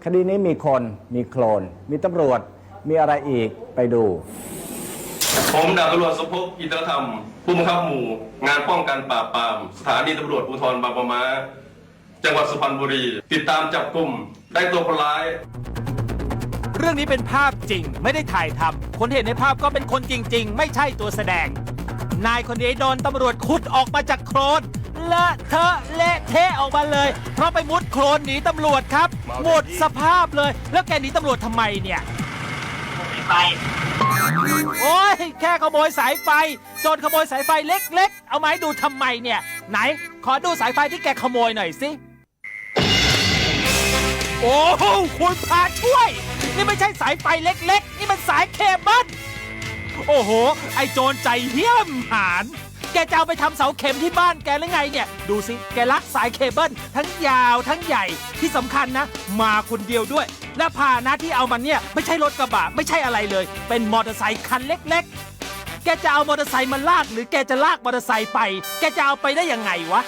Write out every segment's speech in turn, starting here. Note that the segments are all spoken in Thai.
คดีนี้มีคนมีโคลนมีตำรวจมีอะไรอีกไปดูผมดาบตำรวจสมภพอินทรธรรมผู้บังคับหมู่งานป้องกันปราบปรามสถานีตำรวจภูธรบางปะมาจังหวัดสุพรรณบุรีติดตามจับกุมได้ตัวคนร้ายเรื่องนี้เป็นภาพจริงไม่ได้ถ่ายทำคนเห็นในภาพก็เป็นคนจริงๆไม่ใช่ตัวแสดงนายคนนี้โดนตำรวจขุดออกมาจากโคลนเลอะเทอะเละเทะออกมาเลยเพราะไปมุดโคลนหนีตำรวจครับหมดสภาพเลยแล้วแกหนีตำรวจทำไมเนี่ยโอ้ยแค่ขโมยสายไฟโจรขโมยสายไฟเล็กๆเอามาให้ดูทำไมเนี่ยไหนขอดูสายไฟที่แกขโมยหน่อยสิโอ้โหคุณพาช่วยนี่ไม่ใช่สายไฟเล็กๆนี่มันสายเคเบิลโอ้โหไอโจรใจเหี้ยมหาญแกจะเอาไปทำเสาเข็มที่บ้านแกหรือไงเนี่ยดูสิแกลักสายเคเบิลทั้งยาวทั้งใหญ่ที่สำคัญนะมาคนเดียวด้วยและพาหนะที่เอามันเนี่ยไม่ใช่รถกระบะไม่ใช่อะไรเลยเป็นมอเตอร์ไซค์คันเล็กๆแกจะเอามอเตอร์ไซค์มาลากหรือแกจะลากมอเตอร์ไซค์ไปแกจะเอาไปได้ยังไงวะ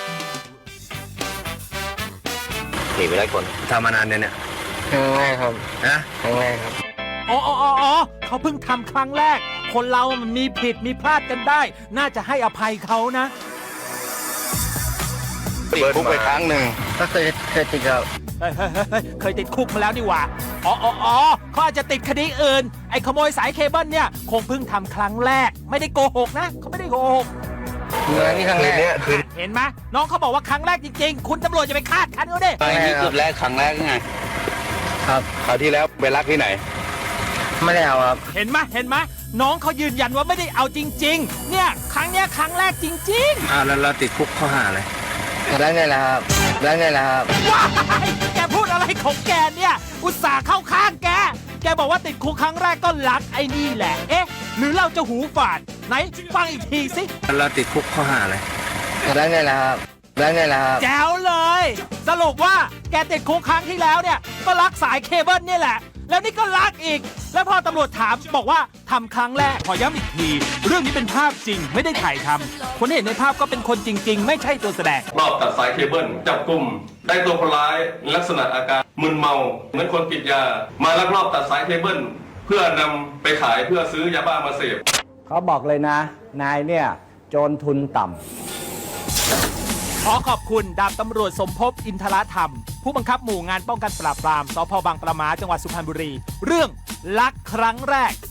ขี่ไปได้คนทำมานานเนี่ยครั้งแรกครับนะครั้งแรกครับอ๋อเขาเพิ่งทำครั้งแรกคนเรามันมีผิดมีพลาดกันได้น่าจะให้อภัยเขานะติดคุกไปครั้งหนึ่งก็เคยติดครับเคยติดคุกมาแล้วนี่หว่าอ๋อเขาอาจจะติดคดีอื่นไอ้ขโมยสายเคเบิลเนี่ยคงเพิ่งทำครั้งแรกไม่ได้โกหกนะเขาไม่ได้โกหกนี่ครั้งแรกเนี่ยคือเห็นไหมน้องเขาบอกว่าครั้งแรกจริงๆคุณตำรวจจะไปคาดคั้นเขาดินี่คือแรกครั้งแรกไงครับคราวที่แล้วไปรักที่ไหนไม่ได้เอาครับเห็นไหมน้องเขายืนยันว่าไม่ได้เอาจริงๆเนี่ยครั้งแรกจริงๆแล้วเราติดคุกข้อหาอะไรแล้วไงล่ะครับว้ายแกพูดอะไรของแกเนี่ยอุตส่าห์เข้าข้างแกบอกว่าติดคุกครั้งแรกก็รักไอ้นี่แหละเอ๊ะหรือเราจะหูฝาดไหนฟังอีกทีสิเราติดคุกข้อหาอะไรแล้วไงล่ะครับแจ๋วเลยสรุปว่าแกติดคุกครั้งที่แล้วเนี่ยก็รักสายเคเบิลนี่แหละแล้วนี่ก็รักอีกแล้วพอตำรวจถามบอกว่าทำครั้งแรกขอย้ำอีกทีเรื่องนี้เป็นภาพจริงไม่ได้ถ่ายทำคนเห็นในภาพก็เป็นคนจริงๆไม่ใช่ตัวแสดงรอบตัดสายเคเบิลจับกุมได้ตัวคนร้ายลักษณะอาการมึนเมาเหมือนคนติดยามาลักลอบตัดสายเคเบิลเพื่อนำไปขายเพื่อซื้อยาบ้ามาเสพเขาบอกเลยนะนายเนี่ยโจรทุนต่ำขอขอบคุณดาบตำรวจสมภพอินทรธรรมผู้บังคับหมู่งานป้องกันปราบปรามสพ.บางปะมาจังหวัดสุพรรณบุรีเรื่องลักครั้งแรก